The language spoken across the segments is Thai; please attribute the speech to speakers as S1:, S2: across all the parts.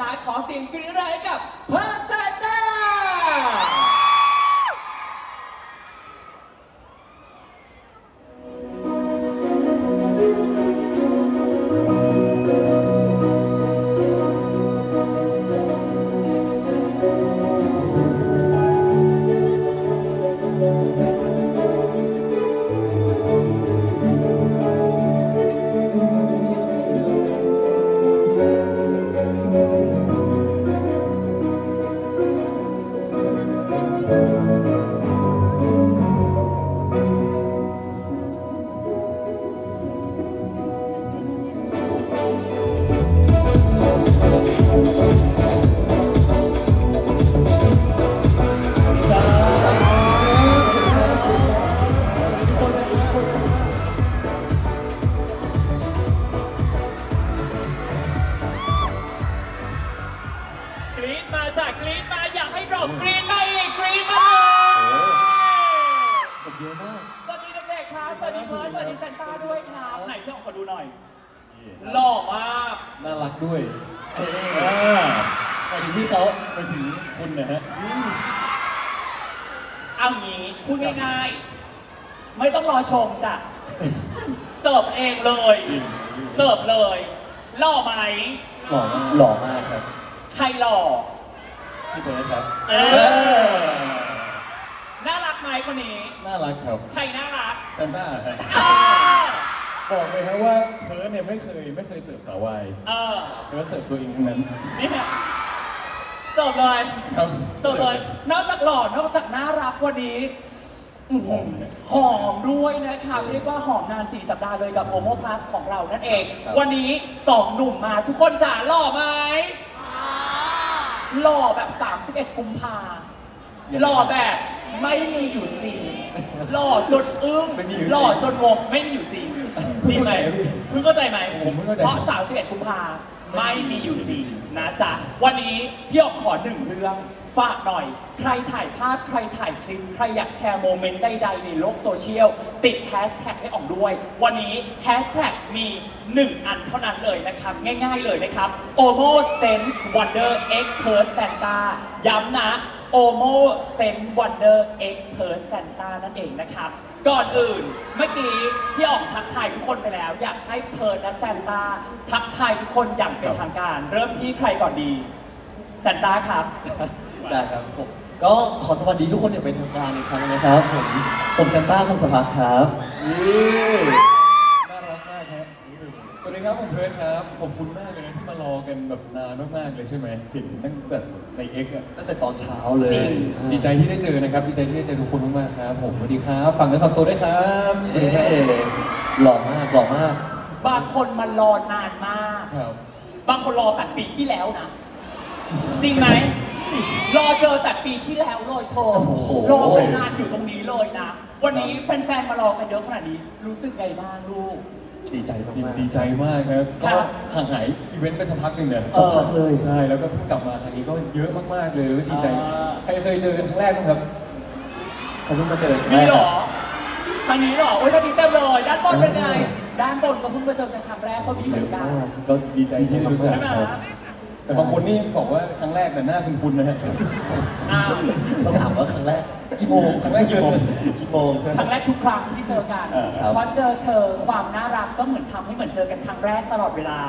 S1: ขอเสียงกรี๊ดให้กับเพอร์เซนต้ากรี๊ดมาอยากให้เรากรี๊ดมาอีกกรี๊ดมาเลย
S2: ผมเยอะมาก
S1: สวัสดีเด็กๆครับสวัสดีเพิร์ดสวัสดีเซนต้าด้วยครับไหนพี่ออกมาดูหน่อยหล่อมาก
S2: น่ารักด้วยไปถึงพี่เขาไปถึงคุณนะฮะ
S1: เอางี้พูดง่ายๆไม่ต้องรอชมจ้ะเสิร์ฟเองเลยเสิร์ฟเลยหล่อไหม
S2: หล่อมากครับ
S1: ใครหล่อ
S2: พี่เบิร์ดครับ
S1: น่ารักไหมคนนี้
S2: น่ารักครับ
S1: ใครน่ารัก
S2: เซนต้าครับบอกเลยครับว่าเพิร์ดเนี่ยไม่เคยเสิร์ฟสาววายเพิร์ดเสิร์ฟตัวเองทั้งนั้น
S1: นี่เนี่ยเสิร์ฟเลย
S2: ครับ
S1: เสิร์ฟเลยนอกจากหล่อนอกจากน่ารักวันนี้หอมด้วยนะครับเรียกว่าหอมนาน4 สัปดาห์เลยกับโอโมพลัสของเรานั่นเองวันนี้2 หนุ่มมาทุกคนจ๋าหล่อไหมหล่อแบบ31 กุมภาหล่อแบบไม่มีอยู่จริงหล่อจนอึ้งหล่อจนงงไม่มีอยู่จริงดีไหมเพิ่งเข้าใจไหมเพราะ31 กุมภาไม่มีอยู่จริงนะจ๊ะวันนี้พี่ออกขอ1 เรื่องฝากหน่อยใครถ่ายภาพใครถ่ายคลิปใครอยากแชร์โมเมนต์ใดๆในโลกโซเชียลติดแฮชแท็กให้ออกด้วยวันนี้แฮชแท็กมี1 อันเท่านั้นเลยนะครับง่ายๆเลยนะครับ Omo Sense Wonder X Per Santa ย้ำนะ Omo Sense Wonder X Per Santa นั่นเองนะครับก่อนอื่นเมื่อกี้พี่อ๋องทักทายทุกคนไปแล้วอยากให้เพิร์ดและแซนต้าทักทายทุกคนอย่างเป็นทางการเริ่มที่ใครก่อนดีแซนต้าครับ
S3: ได้ครับผมก็ขอสวัสดีทุกคนอย่างเป็นทางการอีกครั้งนะครับผมเซนต้าคงสภาครับ
S2: น่ารักมากครับสวัสดีครับผมเพิร์ดครับขอบคุณมากเลยนะที่มารอกันแบบนานมากๆเลยใช่ไหมเห็นตั้งแต่ในเอ็กซ์
S3: ตั้งแต่ตอนเช้าเลย
S2: ดีใจที่ได้เจอนะครับดีใจที่ได้เจอทุกคนมากๆครับผมสวัสดีครับฟังและฟังตัวด้วยครับ
S3: เอ๋หล่อมากหล่อมาก
S1: บางคนมารอนานมาก
S2: ครับ
S1: บางคนรอแต่ปีที่แล้วนะจริงไหมรอเจอแต่ปีที่แล้วเลยโทรรอกันนานอยู่ตรงนี้เลยนะวันนี้แฟนๆมารอกันเยอะขนาดนี้รู้สึกไงบ้างลูก
S3: ดีใจมาก
S2: ดีใจมากครับก็ห่างหายอีเวนต์ไปสักพักหนึ่งเนี่ย
S3: สักพักเลย
S2: ใช่แล้วก็เพิ่งกลับมาครั้งนี้ก็เยอะมากๆเลยดีใจใครเคยเจอกันครั้งแรกบ้างครับ
S3: เขาเพิ่งมาเจอ
S1: นี่หรอครั้งนี้หรอโอ้ยตอนนี้เต็มเลยด้านบนเป็นไงด้านบนก็เพิ่งมาเจอกันครั้งแรกก็มีเหมือนกัน
S3: ก็ดีใจ
S2: ที่รู้จักแต่บางคนนี่บอกว่าครั้งแรกแต่หน้าคุ้นๆนะฮะ
S3: ต้องถามว่าครั้งแรกกี่โมง
S2: ครั้งแรกกี่โมง
S1: ครั้งแรกทุกครั้งที่เจอกันเพราะเจอเธอความน่ารักก็เหมือนทำให้เหมือนเจอกันครั้งแรกตลอดเวลา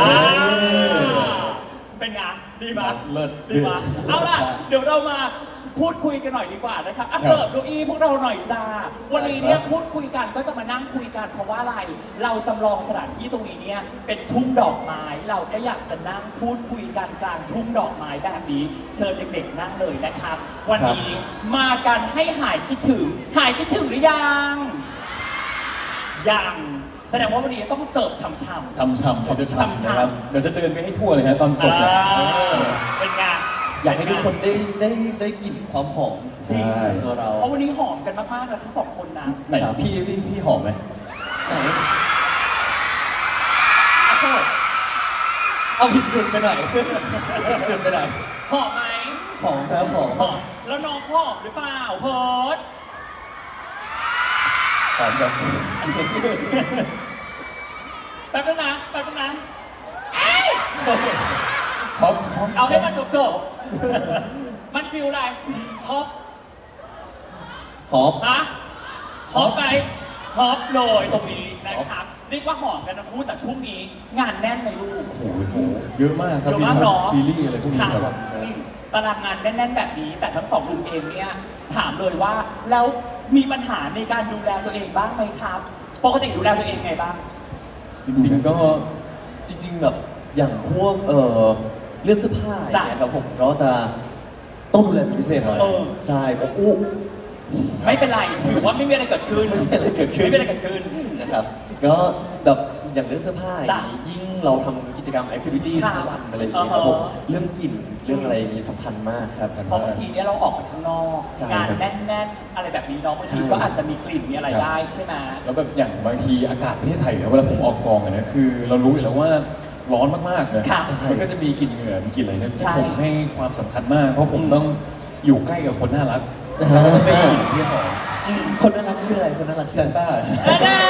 S1: เป็นไงดีมั้ย
S2: เลิศ
S1: ดีมั้ยเอาล่ะเดี๋ยวเรามาพูดคุยกันหน่อยดีกว่านะครับเสิร์ฟเก้าอี้พวกเราหน่อยจ้าวันนี้เนี่ยพูดคุยกันก็จะมานั่งคุยกันเพราะว่าอะไรเราจำลองสถานที่ตรงนี้เนี่ยเป็นทุ่งดอกไม้เราก็อยากจะนั่งพูดคุยกันกลางทุ่งดอกไม้แบบนี้เชิญเด็กๆนั่งเลยนะครับวันนี้มากันให้หายคิดถึงหรือยังแสดงว่าวันนี้ต้องเสิร์ฟช่ำ
S2: ครับเดี๋ยวจะเดินไปให้ทั่วเลยฮะตอนจบ
S1: เป็นไง
S3: อยากให้ทุกคนได้กลิ่นความหอม
S1: จริงตัวเราเพราะวันนี้หอมกันมากๆนะทั้ง2 คนนะ
S2: ไหนพี่หอมไหม
S3: ไหนเอาผิดจุดไปหน่อยจุดไปหน่อย
S1: หอมไหม
S3: หอมครับหอม
S1: แล้วน้องหอมหรือเปล่าเพิร์ด
S2: หอมจัง
S1: แป๊บนึงนะ
S2: หอม
S1: เอาให้มันจบมันฟิลอะไรฮอป
S3: ขอบ
S1: ฮะฮอปไปฮอปเลยตรงนี้นะครับเรียกว่าหอมกันทั้งคู่แต่ช่วงนี้งานแน่นไหมลูก
S2: โอ้โหเยอะมากครับ
S1: เยอะ
S2: มี
S1: มาก
S2: ทั้ง
S1: เนาะ
S2: ซีรีส์อะไรพวกนี้
S1: ค่ะ
S2: ครับ
S1: ตารางงานแน่นๆแบบนี้ แต่ทั้งสองหนุ่มเองเนี่ยถามเลยว่าแล้วมีปัญหาในการดูแลตัวเองบ้างไหมครับ ปกติดูแลตัวเองไงบ้าง
S2: จริงๆก็
S3: จริงๆแบบอย่างพวกเรื่องเสื้อผ้าอย่างเงี้ยครับผมก็จะต้องดูแลเป็นพิเศษหน่อย
S1: เออ
S3: ใช่ผมอู้
S1: ไม่เป็นไรถือว่าไม่มีอะไรเกิดขึ้น
S3: ไม่มีอะไรเกิดขึ้น
S1: ไม่มีอะไรเกิดขึ้น
S3: นะครับก็แบบอย่างเรื่องเสื้อผ้าอย่างนี้
S1: จ้ะ
S3: ยิ่งเราทำกิจกรรมแอคทิวิตี้
S1: ค่ะ
S3: ทั้งวันอะไรอย่างเงี้ยครับผม
S1: อ่าฮะ
S3: เรื่องกลิ่นเรื่องอะไรอย่างนี้สำคัญมากครับ
S1: เพราะบางทีเนี่ยเราออกไปข้างนอก
S3: ใช่
S1: งาน
S3: ครับ
S1: แน่นๆ อะไรแบบนี้เนาะบางที
S3: ใช่
S1: ก็อาจจะมีกลิ่นมีอะไรได้ใช่ไหม
S2: แล้วแบบอย่างบางทีอากาศประเทศไทยเนี่ยเวลาผมออกกองอะนะคือ เรารู้อยู่แล้วว่าร้อนมากๆนะ
S1: ค่ะ
S2: มันก็จะมีกลิ่นเหงื่อมีกลิ่นอะไรเนี่ย
S1: ใช่
S2: ผมให้ความสำคัญมาก เพราะผมต้องอยู่ใกล้กับคนน่ารัก
S3: อ่า
S2: ได้กลิ่นที่หอม
S1: อืม
S3: คนน่ารักชื่ออะไรคนน่ารักชื่
S2: ซั
S3: ออะไร
S2: นต้า
S1: แน่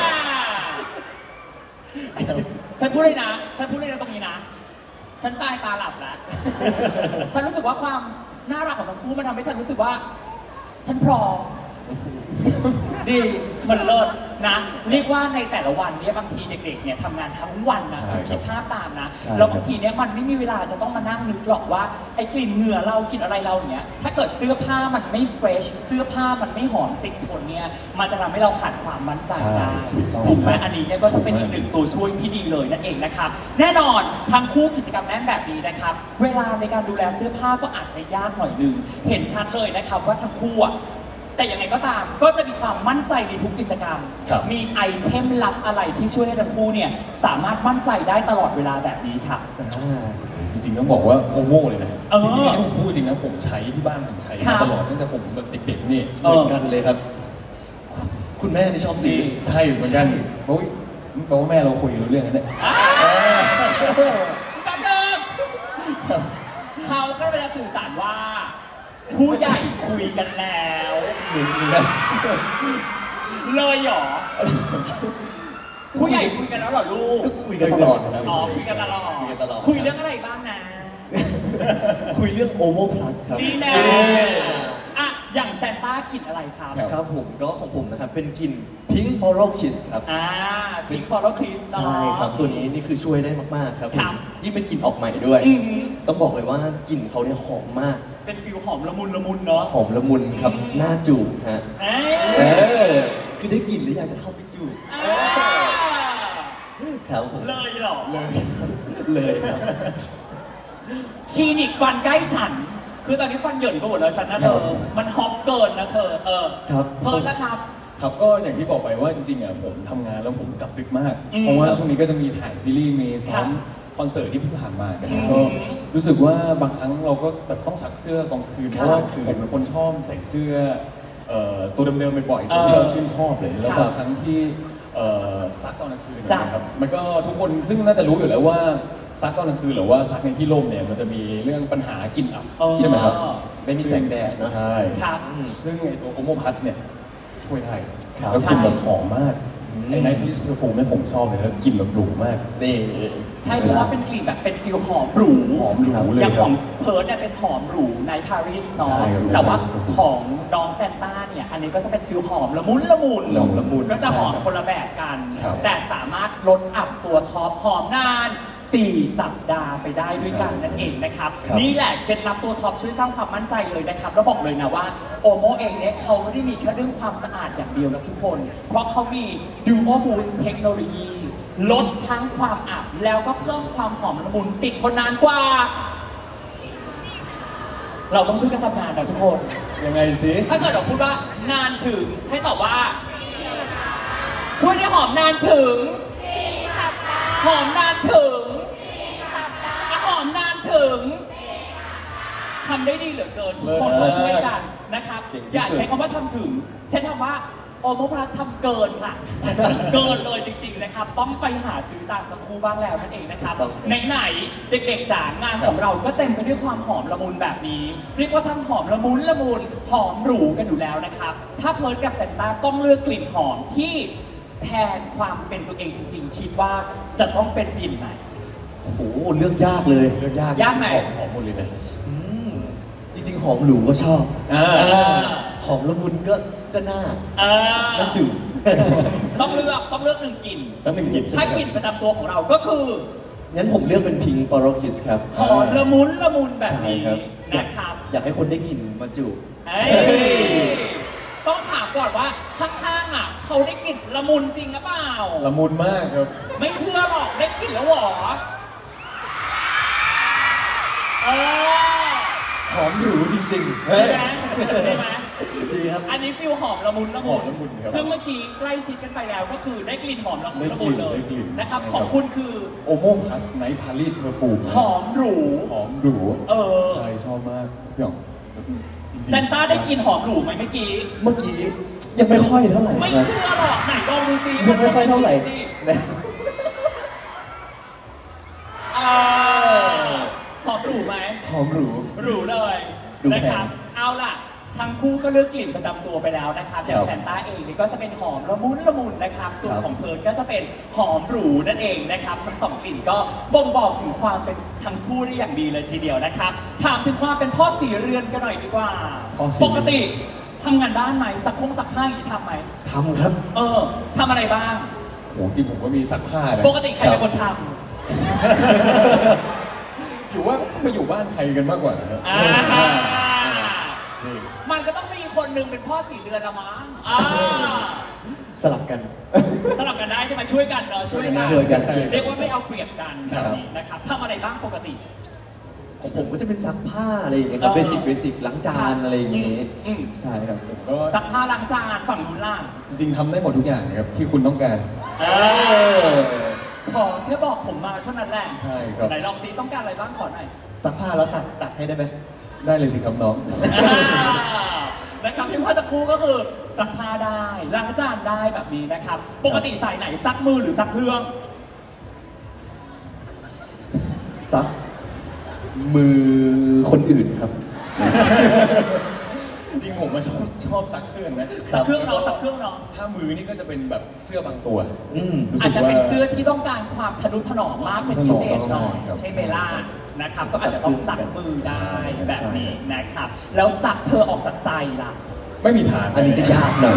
S1: ๆฉันพูดเลยนะฉันพูดเลยนะตรงนี้นะ ฉันตายตาหลับแล้ว ฉันรู้สึกว่าความน่ารักของทั้งคู่มันทำให้ฉันรู้สึกว่า ฉันพร้อม ดีมันเลิศนะ เรียกว่าในแต่ละวันเนี่ยบางทีเด็กๆเนี่ยทำงานทั้งวันนะ
S2: ใช่
S1: คิดภาพตามนะ
S3: ใช่
S1: แล้วบางทีเนี่ยมันไม่มีเวลาจะต้องมานั่งนึกหรอกว่าไอ้กลิ่นเหงื่อเรากลิ่นอะไรเราอย่างเงี้ยถ้าเกิดเสื้อผ้ามันไม่เฟรชเสื้อผ้ามันไม่หอมติดทนเนี่ยมันจะทำให้เราขาดความมั่นใจได้
S2: ใช่ถูกต้อง
S1: ถูกไหมอันนี้เนี่ยก็จะเป็นอีกหนึ่งตัวช่วยที่ดีเลยนั่นเองนะครับแน่นอนทั้งคู่กิจกรรมแน่นแบบนี้นะครับเวลาในการดูแลเสื้อผ้าก็อาจจะยากหน่อยหนึงเห็นชัดเลยนะครับว่าทั้งคู่อะแต่ยังไงก็ตามก็จะมีความมั่นใจในทุกกิจกรรม
S2: ครับ
S1: มีไอเทมลับอะไรที่ช่วยให้ทั้งคู่เนี่ยสามารถมั่นใจได้ตลอดเวลาแบบนี้ครับ
S2: จริงๆต้องบอกว่าโอโม่เลยนะ
S1: เออ
S2: จริงๆอันนี้ผมพูดจริงนะผมใช้ที่บ้านผมใช้
S1: ครั
S2: มา
S1: บ
S2: ตลอดตั้งแต่ผมแบบเด็กๆนี่
S3: เหมือนกันเลยครับ คุณแม่ที่ชอบสี
S2: ใช่เหมือนกันเพราะว่าแม่เราคุยรู้เรื่องนั้นเนี่ย
S1: อ่าแป๊บนึงเขาก็เลยจะสื่อสารว่า ผู้ใหญ่คุยกันแล้ว
S3: เหมือนกัน
S1: เลยเหรอ ผู้ใหญ่คุยกันแล้วเหรอลูก
S3: ก็คุยกันตลอดนะครับ
S1: อ๋อคุยกันตลอด
S3: คุยกันตลอด
S1: คุยเรื่องอะไรบ้างนะ
S3: คุยเรื่องโอโมพลัสครับ
S1: ดีแน่อ่ะอย่างแซนต้ากลิ่นอะไรครับ
S3: ครับผมก็ของผมนะครับเป็นกลิ่นพิงค์ Floral Kiss ครับ
S1: พิงฟอร์ดคริสเนาะ
S3: ใช่ครับตัวนี้นี่คือช่วยได้มากๆครับผ
S1: ครั
S3: ม
S1: บ
S3: ยิ่งเป็นกลิ่นออกใหม่ด้วย
S1: อือหือ
S3: ต้องบอกเลยว่ากลิ่นเขาเนี่ยหอมมาก
S1: เป็นฟิลหอมละมุนละมุนเนาะ
S3: หอมละมุนครับหน้าจูบฮะ
S1: เอ้
S3: เอย อคือได้กลิ่นแล้วอยากจะเข้าไปจูบ
S1: อ่า
S3: ครับผม
S1: เลยเหรอ
S3: เลยครับ
S1: คลินิกฟันใกล้ฉัน คือตอนนี้ฟันเหยินไปหมดแล้วฉันนะเธอ มันฮอปเกินนะเธอ
S3: ครับ
S1: เพิ่นแล้วครับ
S2: ครับก็อย่างที่บอกไปว่าจริงๆอ่ะผมทำงานแล้วผมกลับดึกมาก
S1: อืม
S2: เพราะว่าช่วงนี้ก็จะมีถ่ายซีรีส์มีซ้
S1: ครั
S2: อม
S1: บ
S2: คอนเสิร์ตที่เพิ่งผ่านมากัน
S1: อืม
S2: ก็รู้สึกว่าบางครั้งเราก็แบบต้องซักเสื้อกลางคืน
S1: ครับ
S2: เพราะว่าผมเป็นคนชอบใส่เสื้อตัวเดิมๆบ่อยๆตัวที่เราชื่นชอบเลยแล้ว
S1: ครับ
S2: บางครั้งที่ซักตอนกลางคืน
S1: จ้ะ
S2: นะครับมันก็ทุกคนซึ่งน่าจะรู้อยู่แล้วว่าซักตอนกลางคืนหรือว่าซักในที่ร่มเนี่ยมันจะมีเรื่องปัญหากลิ่นอับ
S1: อ๋อ
S2: ใช่ไหมครับ
S3: ไม่มีแสงแดดเนอะ
S2: ใช่
S1: ครับ
S2: ซึ่งไอตัวโอโมพัทเนี่ยช่วยได้
S3: ครับ
S2: แล้วกลิ่นแบบหอมมาก
S3: อืม
S2: ไอ้ไนท์ลิสเพอร์ฟูมเนี่ยผมชอบเลยแล้วกลิ่นแบบหรูมาก
S3: นี่
S1: ใช่เพราะว่าเป็นกลิ่นแบบเป็นฟิลหอมหรู
S2: หอมหรูเลย
S1: อย่าง
S2: ค
S1: ข
S2: รั
S1: อบ งเพิร์ดเนี่ยเป็นหอมหรูในปารีสเนาะ
S2: ใช่ครับ
S1: แต่ว่า
S2: ในปารีส
S1: ของน้องแซนต้าเนี่ย อันนี้ก็จะเป็นฟิลหอมละมุนละมุน
S3: หอมละมุน
S1: ก็จะหอม
S3: ใช่ครับ
S1: คนละแบบกัน
S2: ครับ
S1: แต่สามารถลดอับตัวท็อปหอมนาน 4 สัปดาห์ไปได้ด้วยกันนั่นเองนะครับ
S3: ครับ
S1: นี่แหละเคล็ดลับตัวท็อปช่วยสร้างความมั่นใจเลยนะครับ แล้วบอกเลยนะว่าโอโมเองเนี่ยเขาไม่ได้มีแค่เรื่องความสะอาดอย่างเดียวนะทุกคน เพราะเขามี Duo Boost เทคโนโลยี ลดทั้งความอับแล้วก็เพิ่มความหอมละมุนติดทนนานกว่า เราต้องช่วยกันทำงานนะทุกคน
S2: ยังไงสิ
S1: ถ้าเกิดเราพูดว่านานถึงให้ตอบว่า ช่วยได้หอมนานถึงหอมนานถึงหอมนานถึงทำได้ดีเหลือเกินทุกคนมาช่วยกันนะครับ
S3: เก่งที่สุด
S1: อย่าใช้คำว่าทำถึงใช้คำว่าโอโมพลัสทำเกินค่ะ เกินเลยจริงๆนะครับ ต้องไปหาซื้อตามทั้งคู่บ้างแล้วนั่นเองนะครับไหนๆเด็กๆจ๋างานของเราก็เต็มไปด้วยความหอมละมุนแบบนี้ เรียกว่าทั้งหอมละมุนละมุนหอมหรูกันอยู่แล้วนะครับ ถ้าเพิร์ดกับแซนต้าต้องเลือกกลิ่นหอมที่แทนความเป็นตัวเองจริงๆ คิดว่าจะต้องเป็นกลิ่นไหน
S3: โโอ้โหเลือกยากเลย
S2: เลือกยาก
S1: ยากไหม
S2: ของหมดเลยนะ
S3: อืมจริงๆ หอมหรูก็ชอบ
S2: อ่า
S1: เออ
S3: หอมละมุนก็น่า
S1: เออ
S3: น่าจืด
S1: ต้องเลือกหนึ่งกลิ่น
S2: สักหนึ่งกลิ่น
S1: ถ้ากลิ่นประจำตัวของเราก็คือ
S3: งั้นผมเลือกเป็นพิงปอร์คิสครับ
S1: หอมละมุนแบบนี้
S3: ใช่ครับ
S1: นะครับ
S3: อยากให้คนได้กลิ่นมาจูบ
S1: เอ้ยต้องถามก่อนว่าข้างๆอ่ะเขาได้กลิ่นละมุนจริงหรือเปล่า
S2: ละมุนมากครับ
S1: ไม่เชื่อหรอกได้กลิ่นแล้วเหรอเออ
S3: หอมหรูจริงๆ
S1: ได้ไหมได้ไหม
S3: ดีครับ
S1: อันนี้ฟิลหอมละมุน
S2: หอมละมุนครับ
S1: ซึ่งเมื่อกี้ใกล้ชิดกันไปแล้วก็คือได้กลิ่นหอมละมุน
S2: ได้
S1: ละ
S2: ก
S1: มุ
S2: ลิ่
S1: น
S2: น
S1: เลย
S2: ได้กลิ่น
S1: นะครับ
S2: นะครับ
S1: ของคุณคือ
S2: โอโมพลัสไนท์พารีสเพอร์ฟูม
S1: หอมหรู
S2: หอมหรู
S1: เออ
S2: ใช่ชอบมากพี่หยองจริงๆ
S1: เซนต้าได้กลิ่นหอมหรูไหมเมื่อกี้
S3: เมื่อกี้ยังไม่ค่อยเท่าไหร่
S1: ไม่
S3: นะ
S1: เชื่อหรอกไหนลองดูซิ
S3: ยังไม่ค่อยเท่าไหร่
S1: สิ
S3: นะ
S1: เออหอมหรูไหม
S3: หอมหรู
S1: หรูเลย
S3: ดูแพง
S1: นะครับ เอาล่ะ ทั้งคู่ก็เลือกกลิ่นประจำตัวไปแล้วนะครับ อย่าง
S2: ครับ
S1: แซนต้าเองนี่ก็จะเป็นหอมละมุนนะครับ ส่วน
S3: ครับ
S1: ของเพิร์นก็จะเป็นหอมหรูนั่นเองนะครับ ทั้งสองกลิ่นก็บ่งบอกถึงความเป็นทั้งคู่ได้อย่างดีเลยทีเดียวนะครับ ถามถึงความเป็นพ่อสีเรือนกันหน่อยดีกว่า
S2: พ่อสี
S1: ปกติทำงานบ้านไหมซักผ้าอย่างนี้ทำไหม
S3: ทำครับ
S1: เออทำอะไรบ้าง
S2: โอ้จริงผมก็มีซักผ้านะ
S1: ปกติใครเป็นคนท
S2: อยู่ว่าไปอยู่บ้านใครกันมากกว่านะครับ
S1: ำอ่า
S2: นี่
S1: มันก็ต้องมีคนหนึ่งเป็นพ่อสีเรือนละมั้ง
S3: สลับกัน
S1: สลับกันได้ใช่ไหมช่วยกันเนาะช่วยกัน
S3: ช่วยกัน
S1: เรียกว่าไม่เอาเปรียบกัน
S3: ค
S1: แบ
S3: รั
S1: บบ นี้นะครับทำอะไรบ้างปกติ
S3: ของผมก็จะเป็นซักผ้าอะไรอย่างเงี้ยครับ
S1: เอ
S3: เบ
S1: อ
S3: สิกล้างจานอะไรอย่างเงี้ย
S1: อืม
S3: ใช่ครับ
S2: ผมก็
S1: ซักผ้าล้างจานฝั่งนู้นล่าง
S2: จริงๆทำได้หมดทุกอย่างนะครับที่คุณต้องการ
S1: เออขอแค่บอกผมมาเท่านั้นแหละ
S2: ใช่ครับ
S1: ไหนลองซิต้องการอะไรบ้างขอหน่อย
S3: ซักผ้าแล้วตักให้ได้ไหม
S2: ได้เลยสิครับน้อง
S1: นะครับที่พ่อตะครูก็คือซักผ้าได้ล้างจานได้แบบนี้นะครับ ปกติใส่ไหนซักมือหรือซักเครื่อง
S3: ซักมือคนอื่นครับ
S2: จริงๆผมมาชอบซักเครื่องนะ
S1: ซักเครื่องเนาะซักเครื่องเนาะ
S2: ถ้ามือนี่ก็จะเป็นแบบเสื้อบางตัว
S3: อืม
S2: รู้
S1: อา
S2: สึ
S1: จ
S2: ก
S1: จะ
S2: ว่า
S1: เป็นเสื้อที่ต้องการความทะนุถนอมมากเป็นพิเศษหน่อย
S2: ครับ
S1: ใช่ไหมล่ะนะครับ ก็อาจจะต้องซักมือได้
S2: ใช่
S1: แบบนี้นะครับ แล้วซักเธอออกจากใจล่ะ
S2: ไม่มีทาง
S3: อันนี้จะยากหน่อย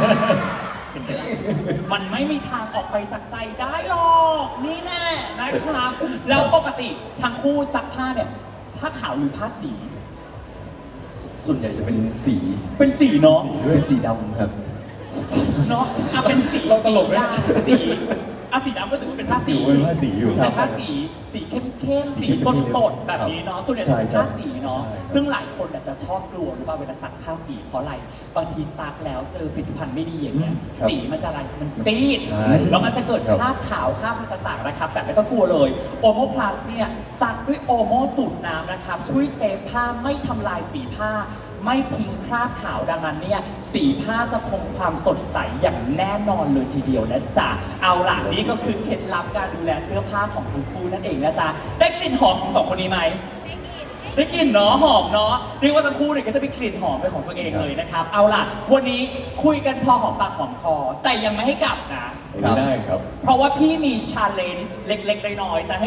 S1: มันไม่มีทางออกไปจากใจได้หรอก นี่แน่นะครับ แล้วปกติทั้งคู่ซักผ้าเนี่ยผ้าขาวหรือผ้าสี
S3: ส่วนใหญ่จะเป็นสี
S1: เป็นสีเนาะ
S3: เป็นสีดำครับ
S1: เนาะอ่ะเป็นสี
S2: เราตลกไหม
S1: สีอ่ะสีดำก็ถือว่าเป็นผ้าสี
S2: ถือว่าเป็นผ้าสีอยู่
S1: เป็นผ้าสีเข้มๆสีสดๆแบบนี้เนาะส่วนใหญ่จะเป็นผ้าสีเนาะ
S2: ใช่ครับ
S1: ซึ่งหลายคนอาจจะชอบกลัวหรือเปล่าเวลาซักผ้าสีเพราะอะไรบางทีซักแล้วเจอผลิตภัณฑ์ไม่ดีอย่างเงี้ย
S3: ครับ
S1: สีมันจะอะไรมันซีด
S2: ใช่
S1: แล้วมันจะเกิด
S2: ครับ
S1: คราบขาวคราบอะไรต่างๆนะครับ แต่ไม่ต้องกลัวเลยโอโมพลัสเนี่ยซักด้วยโอโมสูตรน้ำนะครับ ช่วยเซฟผ้าไม่ทำลายสีผ้า ไม่ทิ้งคราบขาวดังนั้นเนี่ยสีผ้าจะคงความสดใสอย่างแน่นอนเลยทีเดียวนะจ๊ะเอาล่ะนี่ก็คือเคล็ดลับการดูแลเสื้อผ้าของทั้งคู่นั่นเองนะจ๊ะได้กลิ่นหอมของสองคนนี้ไหมได้กลิ่นเนาะหอมเนาะเรียกว่าทั้งคู่เนี่ยก็จะมีกลิ่นหอมเป็นของตัวเองเลยนะครับเอาล่ะวันนี้คุยกันพอหอมปากหอมคอ แต่ยังไม่ให้กลับนะ
S2: ไม่ได้ครับ
S1: เพราะว่าพี่มีชาเลนจ์เล็กๆน้อยๆจะให้